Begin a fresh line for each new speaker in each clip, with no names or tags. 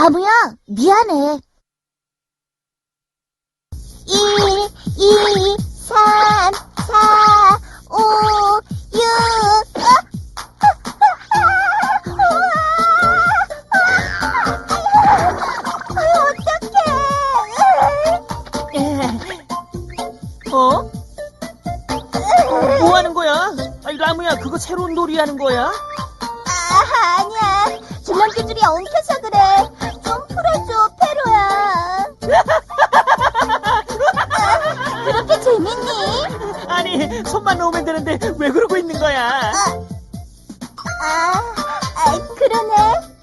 나무야, 미안해. 1, 2, 3, 4, 5, 6.
어? 뭐 하는 거야? 아니, 라무야, 그거 새로운 놀이 하는 거야?
아니야. 줄넘기줄이 엉켜서 그래. 좀 풀어줘, 페로야. 그렇게 재밌니?
아니, 손만 놓으면 되는데 왜 그러고 있는 거야?
그러네.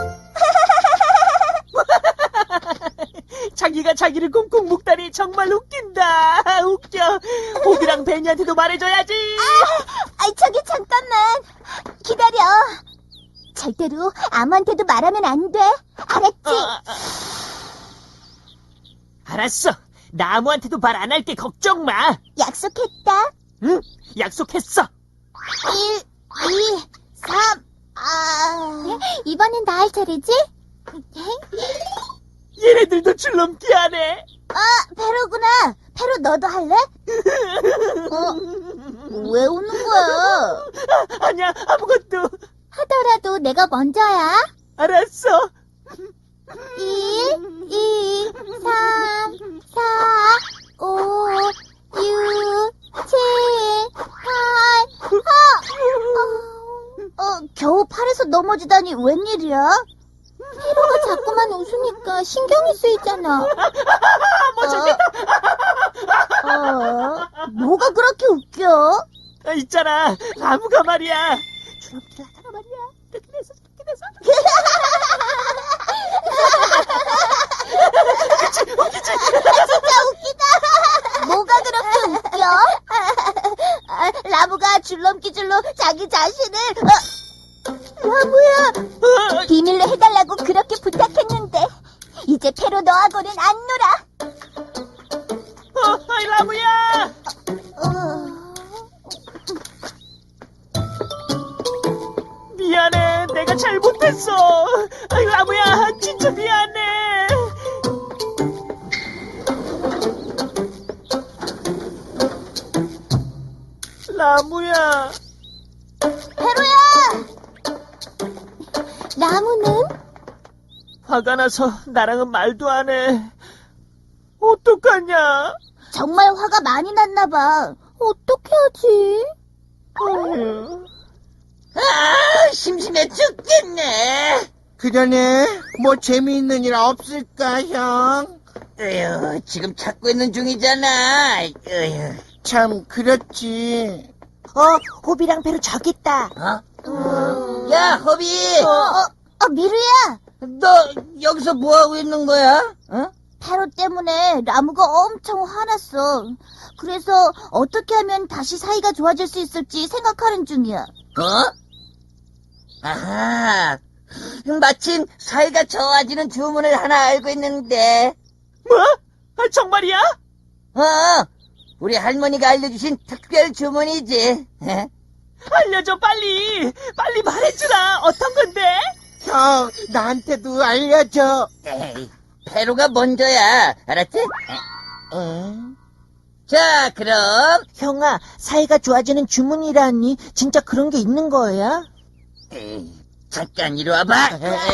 자기가 자기를 꽁꽁 묶다니 정말 웃긴다. 웃겨. 호비랑 베니한테도 말해줘야지.
저기 잠깐만. 기다려. 절대로 아무한테도 말하면 안 돼. 알았지?
알았어. 나 아무한테도 말 안 할게. 걱정 마.
약속했다.
응? 약속했어.
1, 2, 3. 이번엔 나 할 차례지?
얘네들도 줄넘기 하네.
페로구나. 페로 너도 할래? 왜 웃는 거야?
아니야, 아무것도.
하더라도 내가 먼저야.
알았어.
1, 2, 3, 4, 5, 6, 7, 8. 겨우 팔에서 넘어지다니 웬일이야? 페로가 자꾸만 웃으니까 신경이 쓰이잖아.
뭐 재밌다.
뭐가 그렇게 웃겨?
있잖아, 라무가 말이야. 줄넘기를 하다가 말이야. 이렇게 돼서 저렇게 돼서. 웃기지?
진짜 웃기다. 뭐가 그렇게 웃겨? 라무가 줄넘기줄로 자기 자신을 라무야, 비밀로 해달라고 그렇게 부탁했는데 이제 페로 너하고는 안 놀아.
어이, 라무야. 미안해, 내가 잘못했어. 아이, 라무야, 진짜 미안해. 라무야.
페로야. 라무는?
화가 나서 나랑은 말도 안 해. 어떡하냐?
정말 화가 많이 났나 봐. 어떻게 하지?
어휴.
심심해 죽겠네.
그러네. 뭐 재미있는 일 없을까, 형?
에휴, 지금 찾고 있는 중이잖아. 에휴.
참, 그렇지.
호비랑 페로 저기 있다.
야, 허비.
미루야.
너 여기서 뭐 하고 있는 거야?
페로 때문에 라무가 엄청 화났어. 그래서 어떻게 하면 다시 사이가 좋아질 수 있을지 생각하는 중이야.
아하. 마침 사이가 좋아지는 주문을 하나 알고 있는데.
뭐? 정말이야?
우리 할머니가 알려주신 특별 주문이지.
알려줘, 빨리. 빨리 말해주라. 어떤 건데?
형, 나한테도 알려줘.
에이, 페로가 먼저야. 알았지? 자, 그럼.
형아, 사이가 좋아지는 주문이라니 진짜 그런 게 있는 거야?
에이, 잠깐 이리 와봐.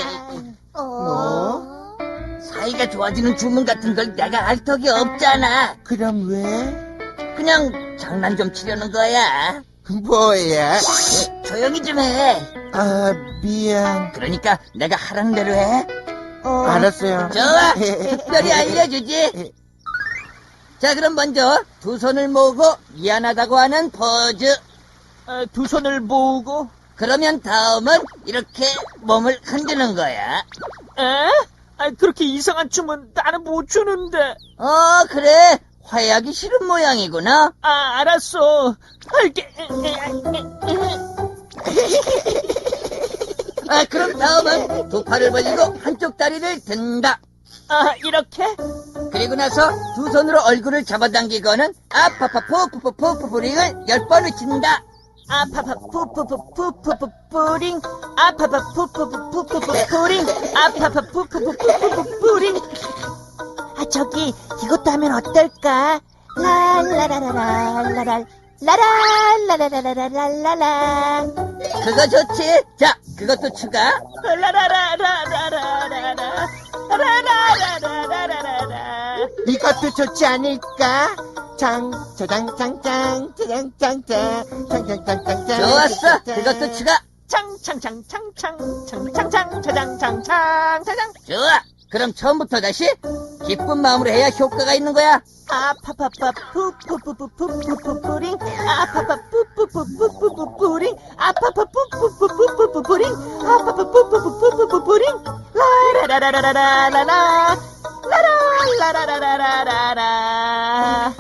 뭐?
사이가 좋아지는 주문 같은 걸 내가 알 턱이 없잖아.
그럼 왜?
그냥 장난 좀 치려는 거야.
뭐야?
조용히 좀 해.
미안.
그러니까 내가 하라는 대로 해.
알았어요.
좋아. 특별히 알려주지. 자, 그럼 먼저 두 손을 모으고 미안하다고 하는 포즈.
두 손을 모으고.
그러면 다음은 이렇게 몸을 흔드는 거야.
에? 그렇게 이상한 춤은 나는 못 추는데.
그래. 화해하기 싫은 모양이구나.
알았어. 할게.
그럼 다음은 두 팔을 벌리고 한쪽 다리를 든다.
이렇게?
그리고 나서 두 손으로 얼굴을 잡아당기고는 아파파푸푸푸푸푸링을 10번 외친다.
아파파 푸푸푸푸푸푸푸링 아파파 푸푸푸푸푸푸푸링 아파파 푸푸푸푸푸푸푸링. 아, 저기 이것도 하면 어떨까? 랄라라라라라라 라랄라라라라라라.
그거 좋지. 자, 그것도 추가.
라라라라라라라라 라라라라라라라.
이것도 좋지 않을까? 장장장장장장장장장장장장.
좋았어. 그것도 추가.
창창창창창창창창창창창창.
좋아. 그럼 처음부터 다시 기쁜 마음으로 해야 효과가 있는 거야.
아파파파 푸푸푸푸푸푸푸푸링 아파파 푸푸푸푸푸푸푸링 아파파 푸푸푸푸푸푸푸링 아파파 푸푸푸푸푸푸푸링 라라라라라라라라 라라라라라라라라.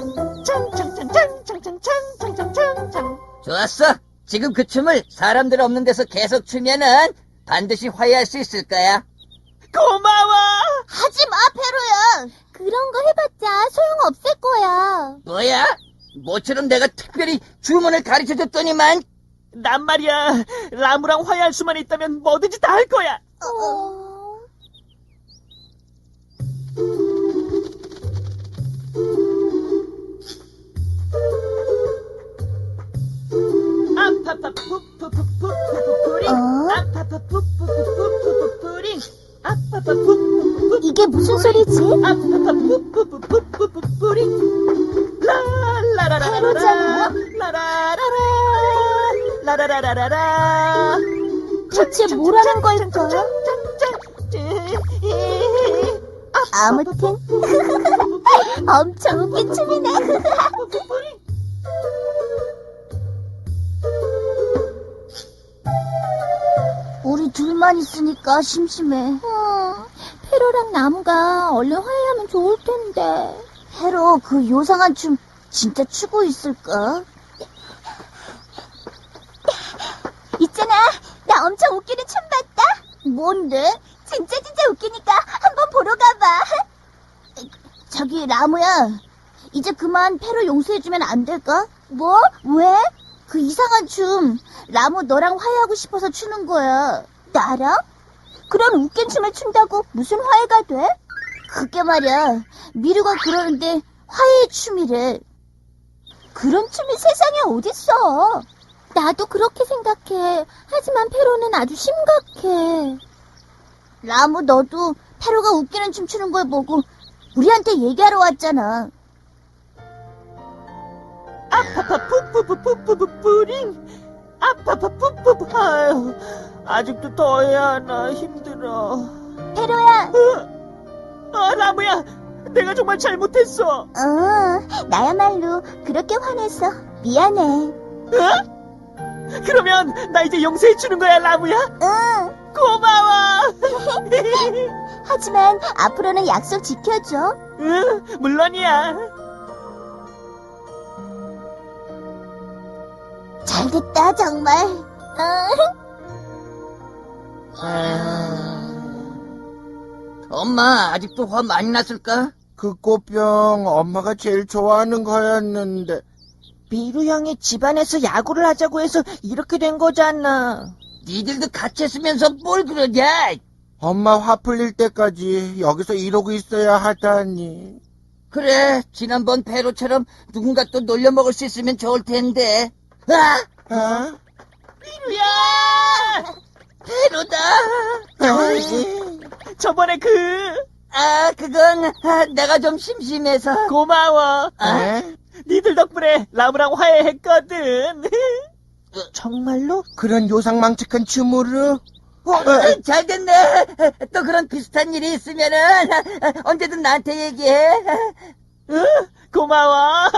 창창창창창창창창창창.
좋았어. 지금 그 춤을 사람들 없는 데서 계속 추면은 반드시 화해할 수 있을 거야.
고마워.
하지 마, 페로야. 그런 거 해봤자 소용없을 거야.
뭐야? 모처럼 내가 특별히 주문을 가르쳐줬더니만.
난 말이야, 라무랑 화해할 수만 있다면 뭐든지 다 할 거야. 아파파 푸푸푸푸푸푸링 아파파 푸푸푸푸푸푸푸링 아파파 푸푸푸푸.
이게 무슨 소리지?
아파파 푸푸푸푸푸푸푸링 라라라라라라
페로잖아.
라라라라 라라라라라라.
대체 뭐라는 걸까? 아무튼 엄청 웃긴 춤이네. 우리 둘만 있으니까 심심해. 페로랑 나무가 얼른 화해하면 좋을 텐데. 페로, 그 요상한 춤 진짜 추고 있을까? 있잖아, 나 엄청 웃기는 춤 봤다. 뭔데? 진짜 웃기니까 한번 보러 가봐. 저기 라무야, 이제 그만 페로 용서해주면 안 될까? 뭐? 왜? 그 이상한 춤 라무 너랑 화해하고 싶어서 추는 거야. 나랑? 그런 웃긴 춤을 춘다고 무슨 화해가 돼? 그게 말이야, 미루가 그러는데 화해의 춤이래. 그런 춤이 세상에 어딨어. 나도 그렇게 생각해. 하지만 페로는 아주 심각해. 라무, 너도 페로가 웃기는 춤 추는 걸 보고 우리한테 얘기하러 왔잖아.
아파파 푸푸푸푸푸푸푸링 아파파 푸푸푸. 아유, 아직도 더 해야 하나. 힘들어.
페로야.
라무야, 내가 정말 잘못했어.
나야말로 그렇게 화냈어. 미안해.
그러면 나 이제 용서해 주는 거야, 라무야?
응.
고마워.
하지만 앞으로는 약속 지켜줘.
응, 물론이야.
잘됐다, 정말.
엄마, 아직도 화 많이 났을까?
그 꽃병 엄마가 제일 좋아하는 거였는데.
미루 형이 집안에서 야구를 하자고 해서 이렇게 된 거잖아.
니들도 같이 했으면서 뭘 그러냐?
엄마 화 풀릴 때까지 여기서 이러고 있어야 하다니.
그래, 지난번 페로처럼 누군가 또 놀려먹을 수 있으면 좋을 텐데. 아!
어?
미루야!
페로다!
저번에
그건 내가 좀 심심해서.
고마워.
에?
니들 덕분에 라무랑 화해했거든. 정말로?
그런 요상망측한 춤으로?
잘 됐네. 또 그런 비슷한 일이 있으면은 언제든 나한테 얘기해.
응, 고마워.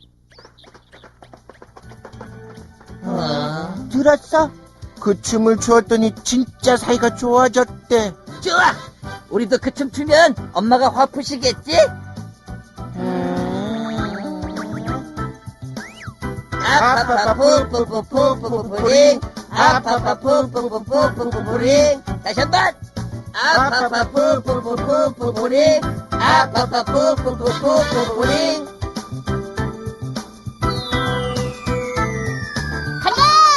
들었어?
그 춤을 추었더니 진짜 사이가 좋아졌대.
좋아. 우리도 그 춤 추면 엄마가 화 푸시겠지? 아파파 푸푸푸푸푸푸푸링 아파파 푸푸푸푸푸푸푸링. 다시 한번. 아파파 푸푸푸푸푸푸푸링 아파파 푸푸푸푸푸푸링.
간다!